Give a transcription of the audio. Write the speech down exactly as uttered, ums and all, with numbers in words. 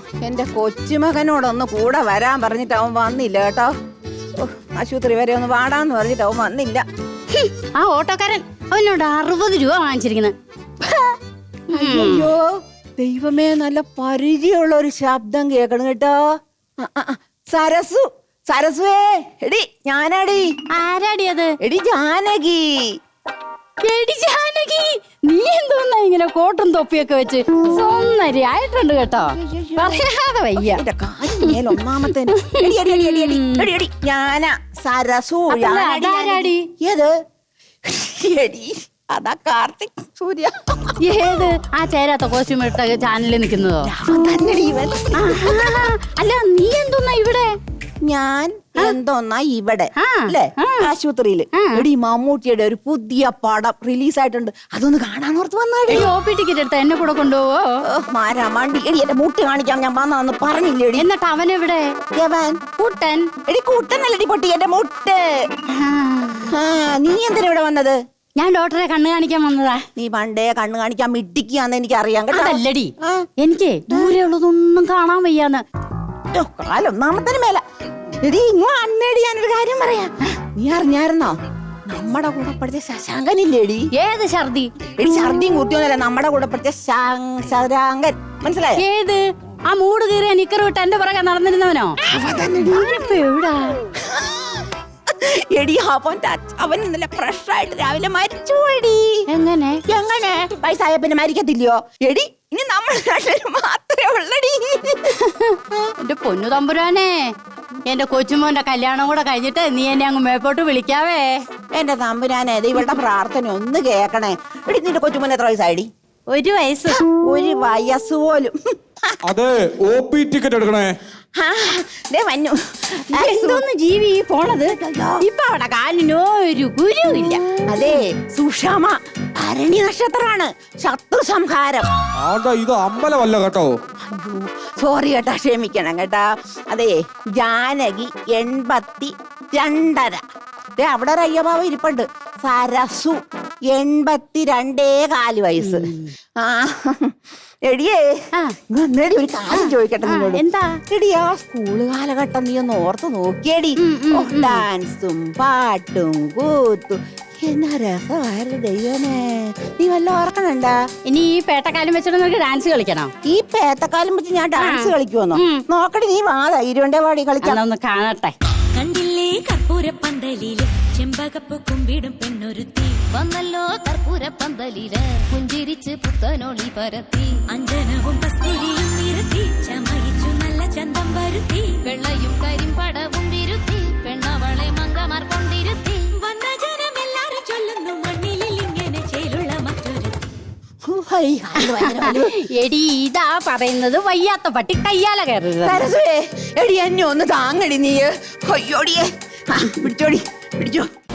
എന്റെ കൊച്ചുമകനോടൊന്ന് കൂടെ വരാൻ പറഞ്ഞിട്ട് അവൻ വന്നില്ല കേട്ടോ. ആശുപത്രി വരെ ഒന്ന് വാടാന്ന് പറഞ്ഞിട്ട് അവൻ വന്നില്ല. ആ ഓട്ടോക്കാരൻ അവനോട് അറുപത് രൂപ വാങ്ങിച്ചിരിക്കുന്നത്. അയ്യോ ദൈവമേ, നല്ല പരിചയമുള്ള ഒരു ശബ്ദം കേക്കണം കേട്ടോ. സരസു, സരസുവേ, എടി ഞാനാടി. ആരാടി അത്? എടി ജാനകി. എടി ജാനകി, നീ എന്തോന്നാ ഇങ്ങനെ കോട്ടും തൊപ്പിയൊക്കെ വെച്ച് സൊന്നരി ആയിട്ടുണ്ട് കേട്ടോ. പറയാതെ വയ്യ. ഒന്നാമത്തെ ഞാനാ സരസു. ഏത്? എടി അതാ കാർത്തിക് സൂര്യ. ഏത്? ആ ചേരാത്ത കോസ്റ്റ്യൂം ഇട്ട ചാനലിൽ നിൽക്കുന്നതോ? അല്ല, നീ എന്തോന്നാ ഇവിടെ? ഞാൻ എന്തോന്നാ ഇവിടെ അല്ലേ? ആശുപത്രിയില് എടി മമ്മൂട്ടിയുടെ ഒരു പുതിയ പടം റിലീസ് ആയിട്ടുണ്ട്. അതൊന്ന് കാണാന്നോർത്ത് വന്നാടി. ഒ പി ടിക്കറ്റ് എടുത്ത എന്നെ കൂടെ കൊണ്ടുപോവോ? മാരാ മണ്ടി. എടി എന്റെ മുട്ട് കാണിക്കാൻ ഞാൻ വന്നാന്ന് പറഞ്ഞില്ലേടി. എന്നിട്ട് അവനെവിടെ? കൂട്ടൻ. എടി കൂട്ടനല്ലടി പൊട്ടി, എന്റെ മുട്ട്. നീ എന്തിനാ ഇവിടെ വന്നത്? ഞാൻ ഡോക്ടറെ കണ്ണ് കാണിക്കാൻ വന്നതാ. നീ പണ്ടേ കണ്ണ് കാണിക്കാൻ മിട്ടിക്കാന്ന് എനിക്ക് അറിയാം കേട്ടോ. അതല്ലടി, എനിക്ക് ദൂരെ ഉള്ളതൊന്നും കാണാൻ വയ്യാന്ന്. കാലൊന്നാമത്തിന് മേല. എടി ഇങ്ങോ അന്നേടി ഞാനൊരു കാര്യം പറയാം. നീ അറിഞ്ഞായിരുന്നോ നമ്മുടെ കൂടെ പഠിച്ച ശശാങ്കനില്ലേടി? ഏത് ഛർദി? എടി ഛർദിയും കുത്തിയൊന്നല്ല, നമ്മുടെ കൂടെ പഠിച്ച ശശാങ്കൻ. മനസ്സിലായോ? ഏത്? ആ മൂട് കീറിയ നിക്കർ വിട്ട് എന്റെ പുറകെ നടന്നിരുന്നവനോ? അവനിപ്പോ എവിടാ? എടി അവൻ അവൻ ഇന്നലെ ഫ്രഷ് ആയിട്ട് രാവിലെ മരിച്ചു പോയി. എങ്ങനെ? എങ്ങനെ? വയസ്സായ പിന്നെ മരിക്കത്തില്ലയോ? എടി ഇനി നമ്മൾ മാത്രമേ ഉള്ളടി. എന്റെ പൊന്നു തമ്പുരാനെ, എന്റെ കൊച്ചുമോന്റെ കല്യാണം കൂടെ കഴിഞ്ഞിട്ട് നീ എന്നെ അങ്ങ് മേപ്പോട്ട് വിളിക്കാവേ. എന്റെ തമ്പുരാനെ, ഇവളുടെ പ്രാർത്ഥന ഒന്ന് കേക്കണേ. എടി നിന്റെ കൊച്ചുമോൻ എത്ര വയസ്സായി? ഒരു വയസ്സ്. ഒരു വയസ്സ് പോലും. അതെ, ഒ പി ടിക്കറ്റ് എടുക്കണേ. എന്തോന്ന് ജീവി പോണത്? ഇപ്പൊ അവിടെ കാലിനോ ഒരു ഗുരുവില്ല. അതെ, സുഷമ ഭരണി നക്ഷത്രമാണ്. ശത്രു സംഹാരം. ഇത് അമ്പലമല്ല കേട്ടോ. സോറി കേട്ടാ, ക്ഷമിക്കണം കേട്ടാ. അതെ, ജാനകി എൺപത്തി രണ്ടര. അവിടെ ഒരു അയ്യഭാവം ഇരിപ്പുണ്ട്. സരസു എൺപത്തി രണ്ടേ കാല് വയസ്സ്. ആ എടിയേ, എന്നേടി ഒരു കാര്യം ചോദിക്കട്ടെ നിന്നോട്. എന്താ? എടി ആ സ്കൂള് കാലഘട്ടം നീ ഒന്ന് ഓർത്ത് നോക്കിയടി. ഡാൻസും പാട്ടും കൂത്തും എന്നാ രസമായിരുന്നു ദൈവമേ. നീ വല്ല ഓർക്കണണ്ടാ? ഇനി ഈ പേട്ടക്കാലം വെച്ചിട്ട് നിനക്ക് ഡാൻസ് കളിക്കണം? ഈ പേട്ടക്കാലം വെച്ച് ഞാൻ ഡാൻസ് കളിക്കുമെന്നോ? നോക്കടി, നീ വാ ധൈര്യണ്ടേ പാടി കളിക്കണം. ഒന്ന് കാണട്ടെ. കണ്ടില്ലേ കർപ്പൂര പന്തലില് ചെമ്പകപ്പൂ കുമ്പിടും പെണ്ണൊരുത്തി വന്നല്ലോ. കർപ്പൂര പന്തലില് പുഞ്ചിരിച്ച് പുത്തനോളി പരത്തി അഞ്ജനവും കസ്തൂരിയും നിരത്തി ചമയിച്ചു നല്ല ചന്തം വരുത്തി വെള്ളയും കരിമ്പടവും വിരുത്തി പെണ്ണവളെ മങ്കമാർ കൊണ്ടിരുത്തി വന്ന ജനമെല്ലാരും ചൊല്ലുന്നു മണ്ണിലിൽ ഇങ്ങനെ ചേലുള്ള മറ്റൊരു. എടി ഇതാ പറയുന്നത് വയ്യാത്ത പട്ടി കയ്യാല കയറരുത്. എടി എന്നെ ഒന്ന് താങ്ങടി നീ. അയ്യോടിയേ, പിടിച്ചോടി, പിടിച്ചോ.